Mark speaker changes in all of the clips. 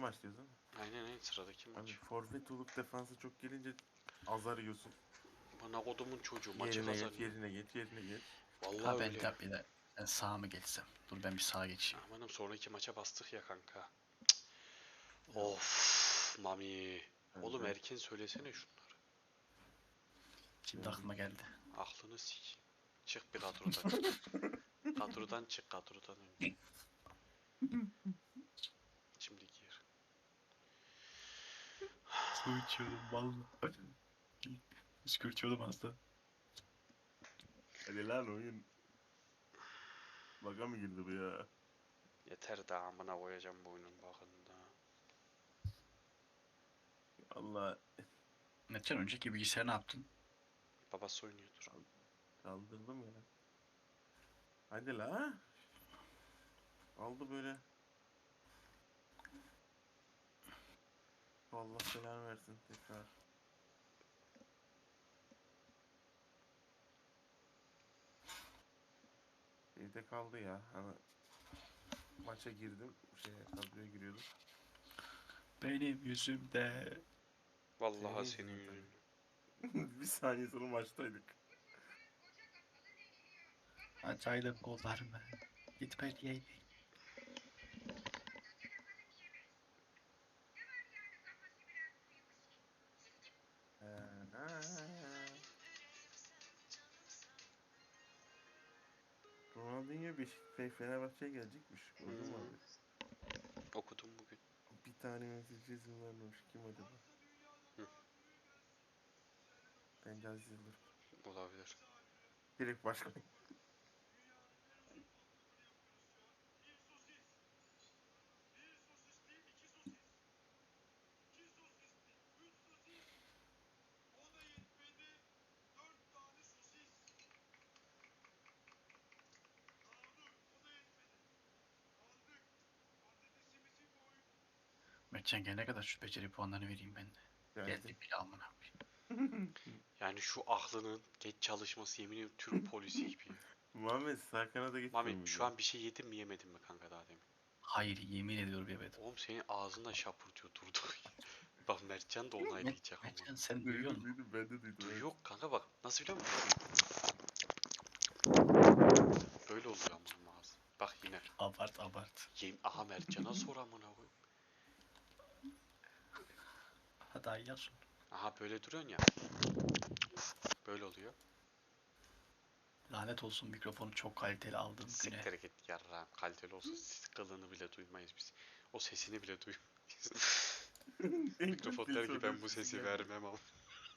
Speaker 1: maç diyorsun değil mi?
Speaker 2: Aynen sıradaki maç.
Speaker 1: Abi forvet olup defansa çok gelince azar yiyorsun.
Speaker 2: Bana kodumun çocuğu maçı
Speaker 1: Yerine geç,
Speaker 2: kazanıyor.
Speaker 1: yerine geç, yerine geç.
Speaker 2: Vallahi
Speaker 3: Ha ben
Speaker 2: öyle.
Speaker 3: tabii de ben sağa mı geçsem? Dur ben bir sağa geçeyim.
Speaker 2: Amanım sonraki maça bastık ya kanka.
Speaker 1: Ya,
Speaker 2: Of Mami. Oğlum
Speaker 1: kanka,
Speaker 2: erken söylesene şunları.
Speaker 3: Şimdi
Speaker 1: geldik.
Speaker 3: aklıma geldi.
Speaker 2: Aklını sik. Çık bir kadrodan. Kadrodan çık kadrodan önce. Şimdi gir.
Speaker 3: Su içiyordum vallahi. Püskürtüyordum hasta.
Speaker 1: Hadi lan oyun. Baka mı girdi bu ya?
Speaker 2: Yeter daha amına koyacağım bu oyunun bakında.
Speaker 1: Allah
Speaker 3: Metin önceki bilgisayarı ne yaptın?
Speaker 2: Babası oynuyordur.
Speaker 1: kaldırdım ya. Hadi la. Aldı böyle. Allah belanı versin tekrar. Evde kaldı ya. Hani maça girdim. Kadroya giriyordum.
Speaker 3: Benim yüzümde.
Speaker 2: Vallahi
Speaker 1: Senin
Speaker 2: senin
Speaker 1: yüzünden
Speaker 2: yüzünden.
Speaker 1: tabii. Bir saniye sonra maçtaydık.
Speaker 3: Açaydım kollarımı. Gitme diyeydim.
Speaker 1: Ha. Ronaldinho Fenerbahçe'ye gelecekmiş. Gördün mü abi?
Speaker 2: Okudum bugün.
Speaker 1: Bir tane yönetici izin vermemiş. Kim acaba?
Speaker 2: Hı,
Speaker 1: Bence Aziz Yıldırım.
Speaker 2: olabilir.
Speaker 1: Direkt başkan.
Speaker 3: Mertcan gelene kadar şu beceri puanlarını vereyim ben de.
Speaker 1: Geldi.
Speaker 3: Geldi bile amına koyayım.
Speaker 2: Yani şu aklının geç çalışması yemin ediyorum Türk polisi gibi ya.
Speaker 1: Muhammed sağ kanada
Speaker 2: Mami
Speaker 1: geçmiyor
Speaker 2: şu
Speaker 1: muydu?
Speaker 2: an bir şey yedin mi yemedin mi kanka daha demin?
Speaker 3: Hayır yemin ediyorum yemedim.
Speaker 2: Oğlum senin ağzında şapırtıyor durduk. Bak Mertcan da onaylayacak ama.
Speaker 3: Mertcan sen duyuyor
Speaker 1: Duydum
Speaker 3: musun?
Speaker 1: duydum ben de duydum evet.
Speaker 2: Duyuyor kanka bak nasıl biliyor musun? Böyle oluyor amına ağzı. Bak yine.
Speaker 3: Abart abart.
Speaker 2: Aha Mertcan'a sor amına koy.
Speaker 3: Hadi ayar sonra.
Speaker 2: Aha böyle duruyorsun ya. Böyle oluyor.
Speaker 3: Lanet olsun mikrofonu çok kaliteli aldığım güne.
Speaker 2: Siktir git yarrağım. Kaliteli olsa siz kılığını bile duymayız biz. O sesini bile duymayız.
Speaker 1: En
Speaker 2: Mikrofon
Speaker 1: kaliteli
Speaker 2: der ki ben
Speaker 1: sorduğum
Speaker 2: bu
Speaker 1: sesi
Speaker 2: sesi
Speaker 1: gelmedi.
Speaker 2: vermem ama.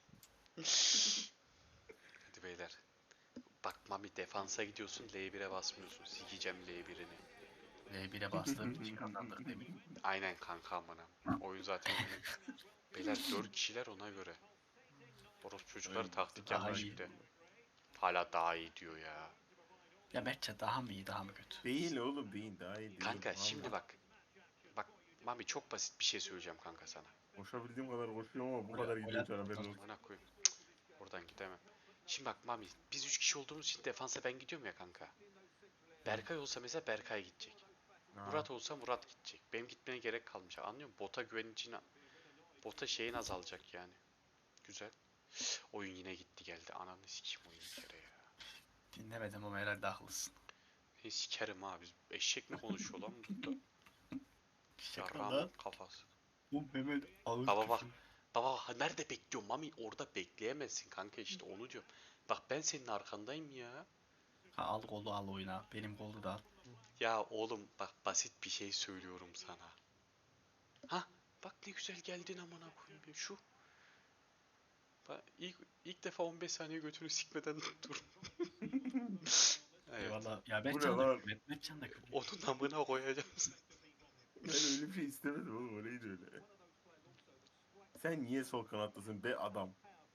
Speaker 2: Hadi beyler. Bak Mami defansa gidiyorsun L1'e basmıyorsun. Sikeceğim L1'ini.
Speaker 3: L1'e bastığım için kazandık demin.
Speaker 2: Aynen kanka amına. Oyun zaten öyle. Beyler 4 kişiler ona göre. Orospu çocukları
Speaker 1: Aynen,
Speaker 2: taktik
Speaker 3: daha
Speaker 2: yapmış
Speaker 3: iyi.
Speaker 2: bir de. Hala daha iyi diyor ya.
Speaker 3: Ya Mertcan daha mı iyi daha mı kötü?
Speaker 1: Değil oğlum değil daha iyi değil.
Speaker 2: Kanka şimdi
Speaker 1: Vallahi.
Speaker 2: bak. Bak Mami çok basit bir şey söyleyeceğim kanka sana.
Speaker 1: Koşabildiğim kadar koşuyorum ama bu
Speaker 3: Gol,
Speaker 1: kadar
Speaker 3: gol
Speaker 1: gidiyor uçan haberin
Speaker 3: atmadan
Speaker 1: olsun.
Speaker 2: Amına koyayım. Oradan gidemem. Şimdi bak Mami biz 3 kişi olduğumuz için defansa ben gidiyorum ya kanka.
Speaker 1: Hı.
Speaker 2: Berkay olsa mesela Berkay gidecek.
Speaker 1: Aa,
Speaker 2: Murat olsa Murat gidecek. Benim gitmeye gerek kalmayacak. Anlıyor musun? Bota güvenicin bota şeyin azalacak yani. Güzel. Oyun yine gitti geldi. Ananı sikeyim oyun bir kere ya.
Speaker 3: dinlemedim ama herhalde haklısın.
Speaker 2: Seni sikerim abi. Eşek mi konuşuyor lan burada?
Speaker 3: Şaka
Speaker 2: Yarrağımın
Speaker 3: lan.
Speaker 2: kafası.
Speaker 3: Bu Mehmet ağır
Speaker 2: Baba bak.
Speaker 3: küfür.
Speaker 2: Baba nerede bekliyorum Mami? Orada bekleyemezsin kanka işte onu diyorum. Bak ben senin arkandayım ya.
Speaker 3: Ha, al kolu al oyna. Benim kolu da al.
Speaker 2: Ya oğlum bak basit bir şey söylüyorum sana. Ha bak ne güzel geldin amına koyayım ya şu. Bak, ilk defa 15 saniye götünü sikmeden dur. Evet.
Speaker 3: Eyvallah. Ya
Speaker 1: bu ne
Speaker 3: Mertcan da
Speaker 1: lan?
Speaker 3: küfür et. Mertcan da küfür et.
Speaker 2: Onun amına koyacağım.
Speaker 1: Ben öyle bir şey istemedim oğlum o neydi öyle? Sen niye sol kanattasın be adam?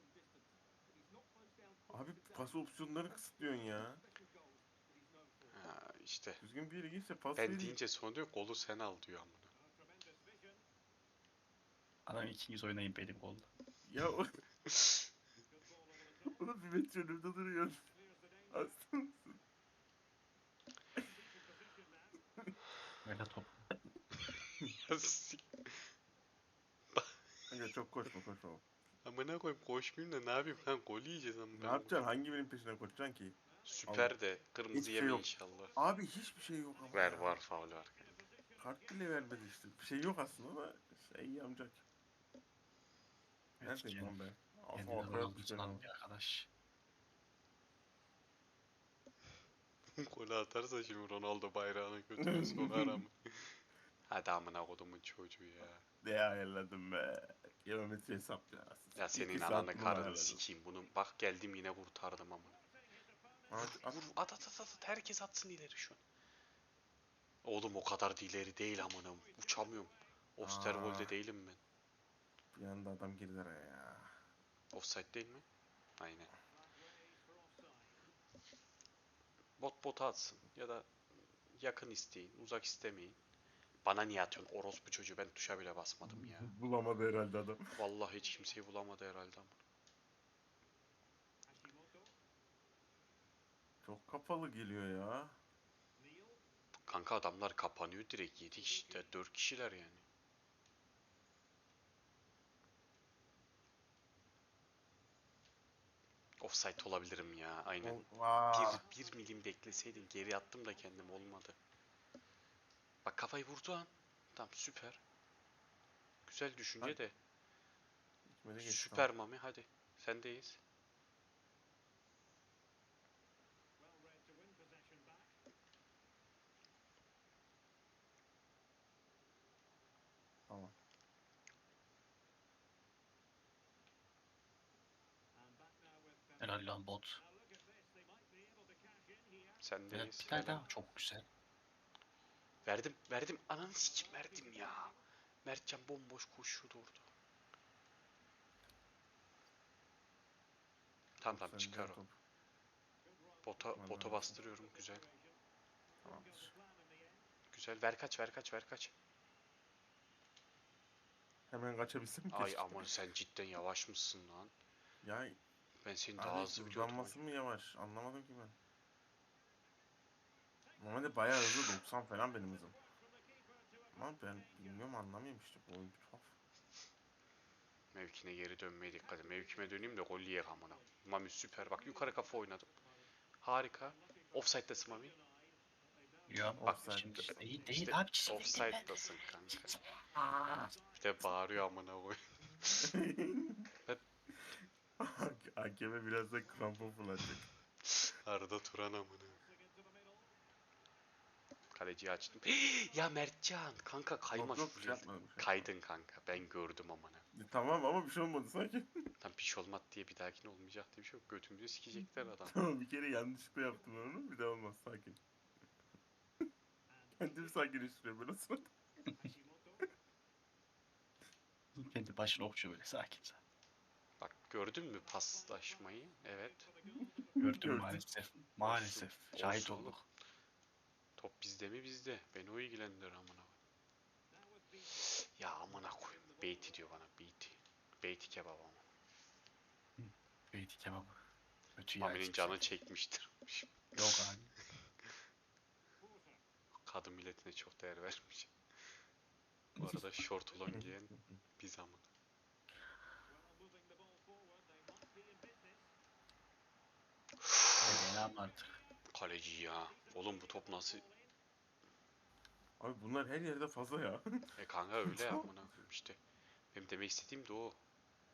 Speaker 1: Abi pas opsiyonları kısıtlıyorsun ya.
Speaker 2: Ha, işte.
Speaker 1: Düzgün bir yere geçse pas
Speaker 2: Ben
Speaker 1: vereyim.
Speaker 2: deyince sonra diyor kolu sen al diyor amına.
Speaker 3: Adam 200 oynayın benim kolda.
Speaker 1: Ya oğlum bir metre önümde duruyorsun. Hasta mısın?
Speaker 3: Böyle top.
Speaker 2: Ya sik-
Speaker 1: Kanka çok koşma.
Speaker 2: Amına koyayım koşmayayım da ne yapayım lan gol yiyeceğiz ama
Speaker 1: Ne
Speaker 2: ben
Speaker 1: yapacaksın? Hangi birinin peşinden koşacaksın ki?
Speaker 2: Süper de kırmızı
Speaker 1: Hiçbir şey
Speaker 2: yeme
Speaker 1: yok.
Speaker 2: inşallah.
Speaker 1: Abi hiçbir şey yok ama
Speaker 2: Ver
Speaker 1: ya.
Speaker 2: var faul var.
Speaker 1: Kart bile vermedi işte. Bir şey yok aslında da şey yamcak.
Speaker 3: Evet,
Speaker 1: Neredeyim lan ben?
Speaker 3: kendini
Speaker 1: Arkaya
Speaker 3: Ronaldo
Speaker 1: atmış beni
Speaker 3: sanan
Speaker 1: ama.
Speaker 3: bir arkadaş.
Speaker 2: Golü atarsa şimdi Ronaldo bayrağını götüne sokar ama. Hadi amına kodumun çocuğu ya.
Speaker 1: Ne ayarladım be. Geometri hesap ya.
Speaker 2: Ya senin
Speaker 1: 2 saat
Speaker 2: ananı
Speaker 1: bunu mu
Speaker 2: karını
Speaker 1: ayarladım?
Speaker 2: sikeyim bunu. Bak geldim yine kurtardım amına. Vur
Speaker 1: At.
Speaker 2: vur at. Herkes atsın ileri şu an. Oğlum o kadar da ileri değil amına. Uçamıyorum.
Speaker 1: Aa,
Speaker 2: Osterwold'de değilim ben.
Speaker 1: bir anda adam girdi araya ya.
Speaker 2: Offside değil mi? Aynen. Bota atsın ya da yakın isteyin, uzak istemeyin. Bana niye atıyorsun orospu çocuğu, ben tuşa bile basmadım ya.
Speaker 1: Bulamadı herhalde adam.
Speaker 2: Vallahi hiç kimseyi bulamadı herhalde ama.
Speaker 1: Çok kapalı geliyor ya.
Speaker 2: Kanka adamlar kapanıyor direkt 7 kişi, 4 kişiler yani. Offside olabilirim ya aynen.
Speaker 1: Vaa.
Speaker 2: Bir milim bekleseydin geri attım da kendim olmadı. Bak kafayı vurdu an. Tamam süper. Güzel düşünce
Speaker 1: Hadi.
Speaker 2: de.
Speaker 1: Gitmedi geçti tamam.
Speaker 2: Süper Mami hadi. Sendeyiz.
Speaker 1: Tamam.
Speaker 3: Helal lan bot. Evet,
Speaker 2: Sendeyiz.
Speaker 3: bir tane
Speaker 2: Helal.
Speaker 3: daha çok güzel.
Speaker 2: Verdim. Ananı sikim verdim ya. Mertcan bomboş koşuyordu orada. Tamam
Speaker 1: Top
Speaker 2: tamam
Speaker 1: sen
Speaker 2: çıkar
Speaker 1: güzel
Speaker 2: o.
Speaker 1: top.
Speaker 2: Bota
Speaker 1: Vallahi olsun.
Speaker 2: bastırıyorum güzel.
Speaker 1: Tamamdır.
Speaker 2: Güzel ver kaç.
Speaker 1: Hemen kaçabilsem
Speaker 2: Ay
Speaker 1: keşke.
Speaker 2: aman sen cidden yavaş mısın lan?
Speaker 1: Ya
Speaker 2: Ben seni daha
Speaker 1: abi
Speaker 2: hızlı biliyordum.
Speaker 1: hızlanması mı yavaş? Anlamadım ki ben. Normalde bayağı hızlı 90 falan benim hızım. Ama ben bilmiyorum anlamıyorum işte bu oyun bir tuhaf.
Speaker 2: Mevkine geri dönmeye dikkat et. Mevkime döneyim de gol yiyek amına. Mami süper bak yukarı kafa oynadım. Harika. Offside'desin Mami.
Speaker 3: Ya
Speaker 2: Bak
Speaker 3: şimdi
Speaker 1: Offside'desin.
Speaker 3: değil
Speaker 2: işte
Speaker 3: abi, çizim ben.
Speaker 2: offside'dasın kanka. Bir de bağırıyor amına koy. Ben
Speaker 1: Hakeme biraz da krampon fırlatacak.
Speaker 2: Arada Turan amına. Kaleciyi açtım. Ya Mertcan kanka kayma
Speaker 1: Yok yok bir şey
Speaker 2: full.
Speaker 1: yapmadım. Bir şey yapmadım.
Speaker 2: Kaydın kanka ben gördüm amına.
Speaker 1: Tamam ama bir şey olmadı sanki.
Speaker 2: Tam piş olmaz diye bir dahakine olmayacak diye bir şey yok. Götümüzü sikecekler adam.
Speaker 1: Tamam bir kere yanlışlıkla yaptım onu. Bir daha olmaz sakin. Kendimi sakinleştiriyorum ben o sırada.
Speaker 3: Kendi başına okşuyor böyle sakin sakin.
Speaker 2: Bak gördün mü paslaşmayı? Evet.
Speaker 3: Gördüm
Speaker 1: Gördük.
Speaker 3: maalesef.
Speaker 2: Olsun.
Speaker 3: Maalesef. Şahit
Speaker 2: Olsun oğlum.
Speaker 3: olduk.
Speaker 2: Top bizde mi bizde? Beni o ilgilendirir amına. Ya amına koyayım. Beyti diyor bana. Beyti. Beyti kebabı ama.
Speaker 3: Hı. Beyti kebabı. Kötü ya
Speaker 2: Mami'nin
Speaker 3: hiçbir
Speaker 2: canı
Speaker 3: şey.
Speaker 2: çekmiştir.
Speaker 3: Yok abi.
Speaker 2: Kadın milletine çok değer vermiş. Bu arada şort olan giyen biz amına.
Speaker 3: Ne lan artık.
Speaker 2: Kaleci ya. Oğlum bu top nasıl?
Speaker 1: Abi bunlar her yerde fazla ya.
Speaker 2: Kanka öyle ya
Speaker 1: Tamam.
Speaker 2: amına koyayım işte. Benim demek istediğim de o.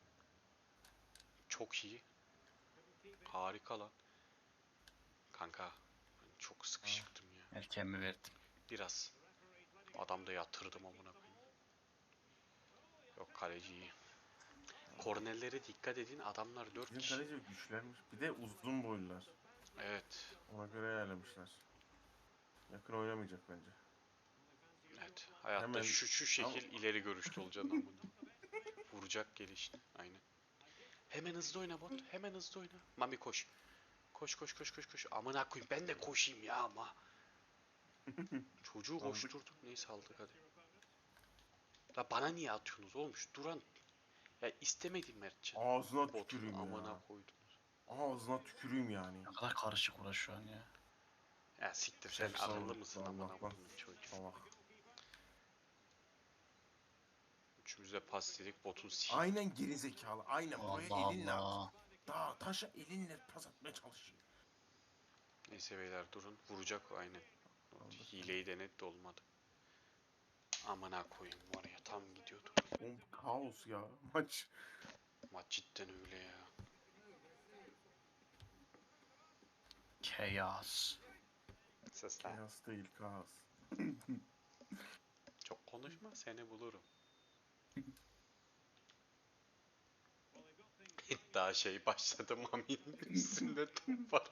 Speaker 2: Çok iyi. Harika lan. Kanka ben çok sıkışıktım ya.
Speaker 3: Erken mi verdim?
Speaker 2: Biraz. Adam da yatırdım amına koyayım. Yok kaleci iyi. Kornerlere dikkat edin. Adamlar 4
Speaker 1: Bizim
Speaker 2: kişi.
Speaker 1: kaleci güçlenmiş. Bir de uzun boylular.
Speaker 2: Evet.
Speaker 1: Ona göre ayarlamışlar. Yakın oynamayacak bence.
Speaker 2: Evet. Hayatta
Speaker 1: Hemen
Speaker 2: şu
Speaker 1: ama
Speaker 2: şekil ileri görüşlü olacaksın amına. Vuracak gelişini. Aynen. Hemen hızlı oyna bot. Hemen hızlı oyna. Mami koş. Koş. Amına koyayım ben de koşayım ya ama. Çocuğu
Speaker 1: aldık.
Speaker 2: koşturdum. Neyse aldık hadi. La bana niye atıyorsunuz oğlum? Şu duran. Ya istemedim Mertcan.
Speaker 1: Ağzına
Speaker 2: Botunu
Speaker 1: tüküreyim
Speaker 2: amına
Speaker 1: ya.
Speaker 2: koydunuz.
Speaker 1: Ağzına tüküreyim yani.
Speaker 3: Ne kadar karışık uğraş şu an ya.
Speaker 2: Ya siktir sen
Speaker 3: Şef
Speaker 2: akıllı
Speaker 1: Salak,
Speaker 2: mısın amına
Speaker 1: salak lan.
Speaker 2: koyduğum çocuğu.
Speaker 1: Salak.
Speaker 2: üçümüz de pas istedik. Botun sil.
Speaker 1: Aynen gerizekalı. Aynen buraya
Speaker 3: Allah
Speaker 1: elinle at.
Speaker 3: Allah.
Speaker 1: Daha taşa elinle pas atmaya çalışıyor.
Speaker 2: Neyse beyler durun. Vuracak o aynen.
Speaker 1: Aldık.
Speaker 2: Hileyi denet de olmadı. Amına koyayım var ya tam gidiyordu.
Speaker 1: Oğlum kaos ya maç.
Speaker 2: Maç cidden öyle ya.
Speaker 3: Chaos.
Speaker 2: Sesler.
Speaker 1: Kaos değil kaos.
Speaker 2: Çok konuşma seni bulurum. Daha şey başladı Mami'nin üstünde top var.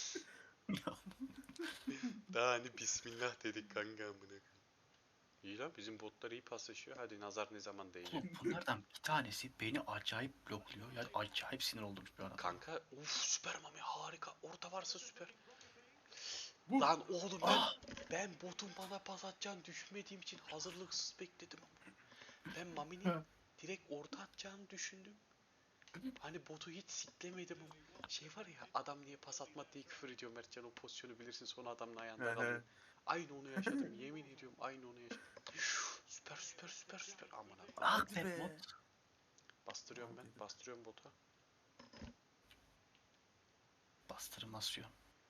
Speaker 2: Daha hani bismillah dedik kanka amına koyayım. İyi lan bizim botlar iyi paslaşıyor. Hadi nazar ne zaman değecek?
Speaker 3: Oğlum bunlardan bir tanesi beni acayip blokluyor. Yani acayip sinir oldum şu an.
Speaker 2: Kanka süper Mami harika. Orada varsa süper.
Speaker 1: Bu.
Speaker 2: Lan oğlum
Speaker 3: Ah!
Speaker 2: ben botun bana pas atacağını düşünmediğim için hazırlıksız bekledim. Ben Mami'nin direkt orta atacağını düşündüm. Hani botu hiç siklemedim ama. Şey var ya adam niye pas atmadı diye küfür ediyor Mertcan o pozisyonu bilirsin sonra adamın ayağında kalıyor. Aynı onu yaşadım yemin ediyorum aynı onu yaşadım. Süper süper süper süper aman abi.
Speaker 3: Ah
Speaker 1: Hadi
Speaker 3: be
Speaker 1: be.
Speaker 3: bot.
Speaker 2: Bastırıyorum ben
Speaker 1: Hadi.
Speaker 2: bastırıyorum bota.
Speaker 3: Bastırmasyon.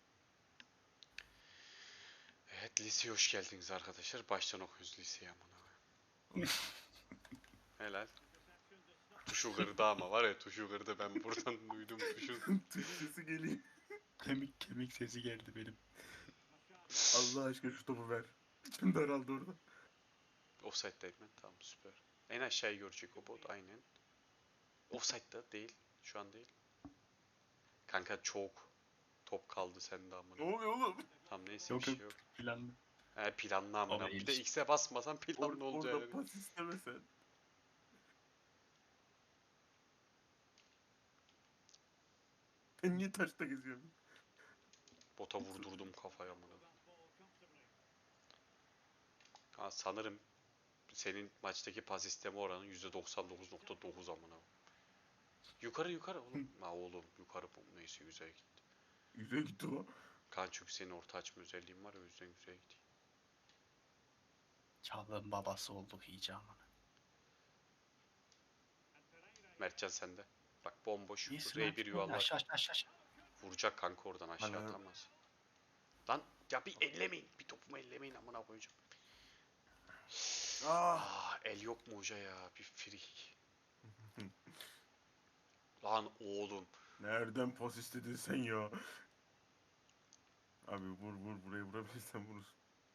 Speaker 2: Evet liseye hoş geldiniz arkadaşlar. Baştan okuyoruz liseyi amına. Helal. Tuşu kırdı ama var ya tuşu kırdı ben buradan duydum tuşun.
Speaker 1: Türkçesi geliyor.
Speaker 3: Kemik sesi geldi benim.
Speaker 1: Allah aşkına şu topu ver. İçim daraldı orada.
Speaker 2: Offside'dayım ben tamam süper. En aşağıyı görecek o bot aynen. Offside'da değil şu an değil. Kanka çok top kaldı sende
Speaker 1: Ne
Speaker 2: amına.
Speaker 1: oluyor oğlum?
Speaker 2: Tamam neyse
Speaker 3: Yok
Speaker 2: bir şey
Speaker 3: yok.
Speaker 2: yok.
Speaker 3: Planlı.
Speaker 2: He planlı amına.
Speaker 3: Ama
Speaker 2: Bir de
Speaker 3: ilişki.
Speaker 2: X'e basmasan planlı olacağı
Speaker 1: Orada
Speaker 2: yani.
Speaker 1: pas istemesen. Ben niye taşta geziyorum?
Speaker 2: Bota vurdurdum kafaya amına. Ha, sanırım senin maçtaki pas isteme oranı %99.9 amına. Yukarı yukarı oğlum. Ha oğlum yukarı bu neyse güzel gitti.
Speaker 1: Yüze gitti o.
Speaker 2: Kan çünkü senin orta açma özelliğin var ya o yüzden güzel gitti.
Speaker 3: Çağla'nın babası olduk iyice aman.
Speaker 2: Mertcan sende. Bak bomboş.
Speaker 3: İyisin
Speaker 2: R1 yuvarlak.
Speaker 3: Aşağı aşağı aşağı.
Speaker 2: Vuracak kanka oradan aşağı
Speaker 1: Bana-
Speaker 2: atamaz. Lan ya bir ellemeyin. Bir topumu ellemeyin amına koyacağım.
Speaker 1: Ah.
Speaker 2: El yok mu hoca ya? Bir free. Lan oğlum.
Speaker 1: Nereden pas istedin sen ya? Abi vur buraya vurabilirsen vurursun.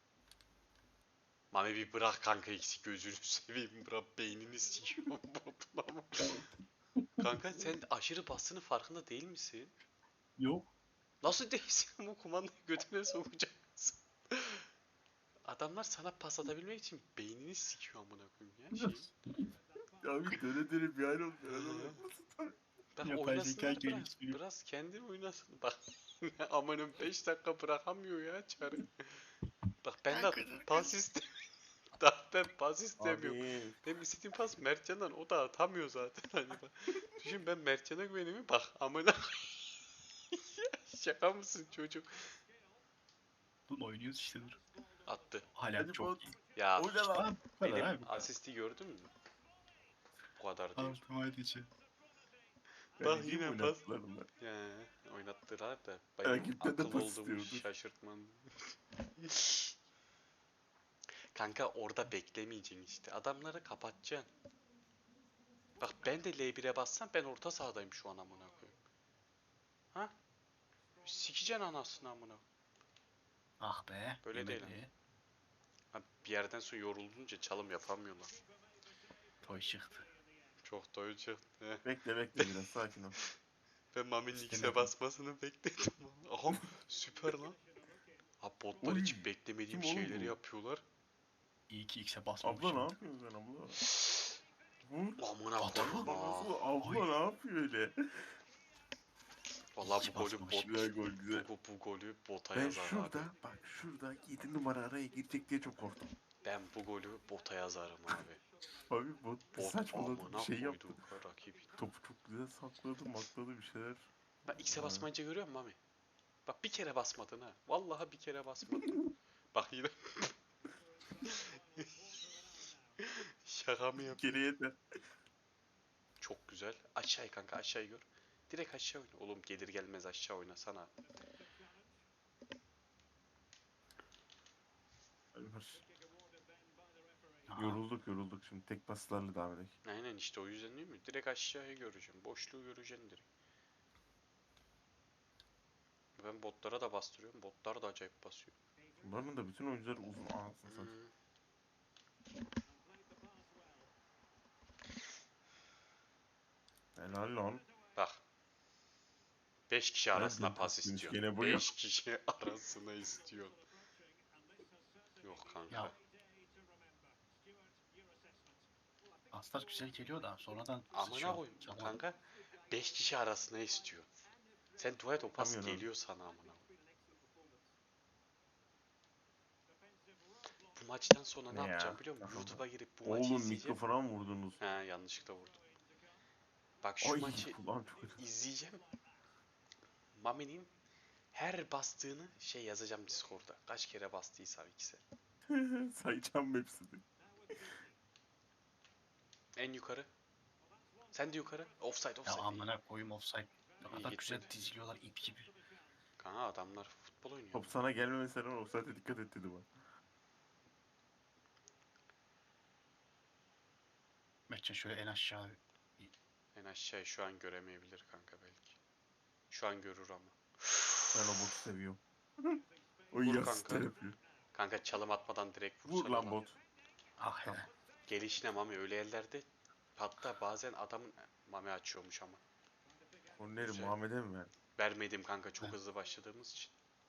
Speaker 2: Mami bir bırak kanka eksik gözünü seveyim. Bırak beynini sikiyorum botun ama. Kanka sen aşırı bastığının farkında değil misin?
Speaker 3: Yok.
Speaker 2: Nasıl değilsin bu kumandayı götüne sokacaksın? Adamlar sana pas atabilmek için beynini sikiyor amına koyayım ya şey.
Speaker 1: Abi döne döne bir hal oldu. Adamlar nasıl tanıyor?
Speaker 2: Bak
Speaker 3: Yapay
Speaker 2: oynasınlar
Speaker 3: zeka
Speaker 2: biraz.
Speaker 3: geliştiriyor.
Speaker 2: Biraz kendin oynasın. Bak amanın 5 dakika bırakamıyor ya çarı. Bak ben de pas istemiyorum. Daha ben pas istemiyorum.
Speaker 1: Abi.
Speaker 2: Benim istediğim pas Mertcan'dan o da atamıyor zaten. Hani bak. Düşün ben Mertcan'a güvenimi bak amına. Şaka mısın çocuk?
Speaker 3: Dur oynuyoruz işte dur.
Speaker 2: Attı.
Speaker 3: Hala
Speaker 1: Hadi
Speaker 3: çok
Speaker 1: bot.
Speaker 3: iyi.
Speaker 2: Ya
Speaker 1: O ne lan?
Speaker 3: Aa, bu kadar
Speaker 2: benim
Speaker 3: abi bu kadar.
Speaker 2: asisti gördün mü? Bu kadar değil.
Speaker 3: Altıma edici.
Speaker 2: Bak
Speaker 1: Yani
Speaker 2: yine
Speaker 1: yine
Speaker 2: pas.
Speaker 1: pas. Bunlar.
Speaker 2: Ya oynattılar da benim
Speaker 1: Rakipten de
Speaker 2: akıl
Speaker 1: pas
Speaker 2: olduğumu
Speaker 1: istiyordur.
Speaker 2: şaşırtman. Kanka orada beklemeyeceksin işte. Adamları kapatacaksın. Bak ben de L1'e bassam ben orta sahadayım şu an amına koyayım. Ha? Sikeceksin anasını amına.
Speaker 3: Ah be.
Speaker 2: Böyle değil
Speaker 3: yemedi.
Speaker 2: Ha, bir yerden sonra yorulunca çalım yapamıyorlar.
Speaker 3: Toy çıktı.
Speaker 2: Çok doyucu çıktı.
Speaker 1: Bekle biraz sakin ol.
Speaker 2: Ben Mami'nin X'e
Speaker 3: İstemedim.
Speaker 2: basmasını bekledim. Aha süper lan. Ha botlar
Speaker 1: Oy,
Speaker 2: hiç beklemediğim
Speaker 1: kim oğlum
Speaker 2: şeyleri
Speaker 1: bu?
Speaker 2: yapıyorlar.
Speaker 3: İyi ki X'e
Speaker 1: Abla ne
Speaker 3: basmamışım.
Speaker 1: yapıyorsun sen abla? Vur.
Speaker 2: Amına
Speaker 3: Adam-
Speaker 2: koyayım
Speaker 1: Abla
Speaker 2: ha.
Speaker 1: nasıl? Abla ne yapıyor öyle?
Speaker 2: Vallahi
Speaker 3: Hiç
Speaker 2: bu golü
Speaker 3: basmamışım.
Speaker 1: Güzel gol güzel.
Speaker 2: bu golü bota
Speaker 1: Ben
Speaker 2: yazar
Speaker 1: şurada
Speaker 2: abi.
Speaker 1: bak şurada 7 numara araya girecek diye çok korktum.
Speaker 2: Ben bu golü bota yazarım abi.
Speaker 1: Abi bot bir
Speaker 2: Bot
Speaker 1: saçmaladı bir
Speaker 2: amına
Speaker 1: şey yaptı.
Speaker 2: koydu rakip.
Speaker 1: Topu çok güzel sakladı makladı bir şeyler.
Speaker 2: Bak X'e
Speaker 1: Ha.
Speaker 2: basmayınca görüyor musun Mami? Bak bir kere basmadın ha. Vallahi bir kere basmadın. Bak yine. Şaka mı yap?
Speaker 1: Geri yeter.
Speaker 2: Çok güzel. Aşağıya kanka, aşağıyı gör. Direkt aşağı oyna. Oğlum gelir gelmez aşağı oynasana.
Speaker 3: Aha.
Speaker 1: Yorulduk şimdi tek paslarla devam edelim.
Speaker 2: Aynen işte, o yüzden değil mi? Direkt aşağıya göreceğim. Boşluğu göreceksin direkt. Ben botlara da bastırıyorum. Botlar da acayip basıyor.
Speaker 1: Bunların da bütün oyuncuları uzun anasını satayım.
Speaker 2: Hmm.
Speaker 1: Helal lan.
Speaker 2: Bak. 5 kişi arasına
Speaker 1: Nereden
Speaker 2: pas
Speaker 1: tespitmiş
Speaker 2: istiyorsun.
Speaker 1: gene bu
Speaker 2: 5 kişi arasına istiyor. Yok kanka.
Speaker 3: Ya paslar güzel geliyor da sonradan
Speaker 2: Amına
Speaker 3: sıçıyor.
Speaker 2: koyayım
Speaker 3: Çalma.
Speaker 2: kanka. 5 kişi arasına istiyor. Sen dua et o pas
Speaker 1: Tamam ya.
Speaker 2: geliyor sana amına koyayım. Bu maçtan sonra ne
Speaker 1: Ne ya?
Speaker 2: yapacağım biliyor musun?
Speaker 1: Takıldı.
Speaker 2: YouTube'a girip bu maçı
Speaker 1: Oğlum
Speaker 2: izleyeceğim.
Speaker 1: mikrofona mı vurdunuz?
Speaker 2: He, yanlışlıkla vurdum. Bak şu
Speaker 1: Ay
Speaker 2: maçı
Speaker 1: kulağım çok acıdı.
Speaker 2: izleyeceğim. Mami'nin her bastığını şey yazacağım Discord'da. Kaç kere bastıysa ikisi.
Speaker 1: Sayacağım hepsini.
Speaker 2: En yukarı. Sen de yukarı. Offside
Speaker 3: Ya
Speaker 2: offside.
Speaker 3: amına koyayım offside. Ne
Speaker 2: İyi
Speaker 3: kadar güzel
Speaker 2: gitmedi.
Speaker 3: diziliyorlar ip gibi.
Speaker 2: Kanka adamlar futbol oynuyor.
Speaker 1: Top sana gelmemesine rağmen offside'e dikkat et dedi bana.
Speaker 3: Mertcan şöyle en aşağı.
Speaker 2: En aşağıyı şu an göremeyebilir kanka belki. Şu an görür ama.
Speaker 1: Ben o botu seviyorum. O
Speaker 2: Vur
Speaker 1: yastık
Speaker 2: kanka.
Speaker 1: yapıyor.
Speaker 2: Kanka çalım atmadan direkt
Speaker 1: Vur
Speaker 2: vursana
Speaker 1: lan bot.
Speaker 3: Ah
Speaker 1: Tamam.
Speaker 3: hele.
Speaker 2: Gelişine Mami öyle yerlerde. Hatta bazen adamın Mami açıyormuş ama.
Speaker 1: Onları
Speaker 2: Güzel.
Speaker 1: Muhammed'e mi ver?
Speaker 2: Vermedim kanka, çok
Speaker 3: Heh.
Speaker 2: hızlı başladığımız için.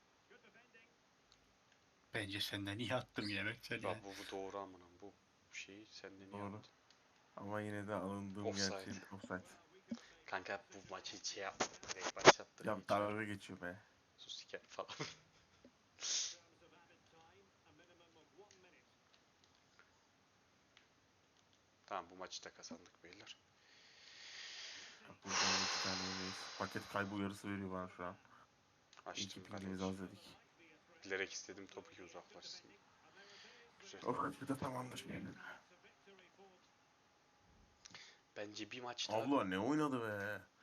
Speaker 3: Bence senden iyi attım yine Mertcan
Speaker 2: Ya
Speaker 3: ya.
Speaker 2: bu doğru amına. Bu şeyi senden iyi
Speaker 1: Doğru.
Speaker 2: yaptın.
Speaker 1: Ama yine de alındığım
Speaker 2: Offside.
Speaker 1: gerçeğin offside.
Speaker 2: Kanka bu maçı hiç şey yaptı. Direkt başlattı.
Speaker 1: Ya dalga geçiyor be.
Speaker 2: Sus siker falan. Tamam, bu maçı da kazandık beyler.
Speaker 1: Bak buradan da 2 tane yemeyiz. Paket kaybı uyarısı veriyor bana şu an. İyi ki
Speaker 2: Açtım
Speaker 1: pingimizi
Speaker 2: kardeşim.
Speaker 1: az dedik.
Speaker 2: Bilerek istedim topu ki uzaklaşsın. Güzel.
Speaker 1: O kadar da tamamdır.
Speaker 2: Bence bir maç daha.
Speaker 1: Abla ne oynadı be.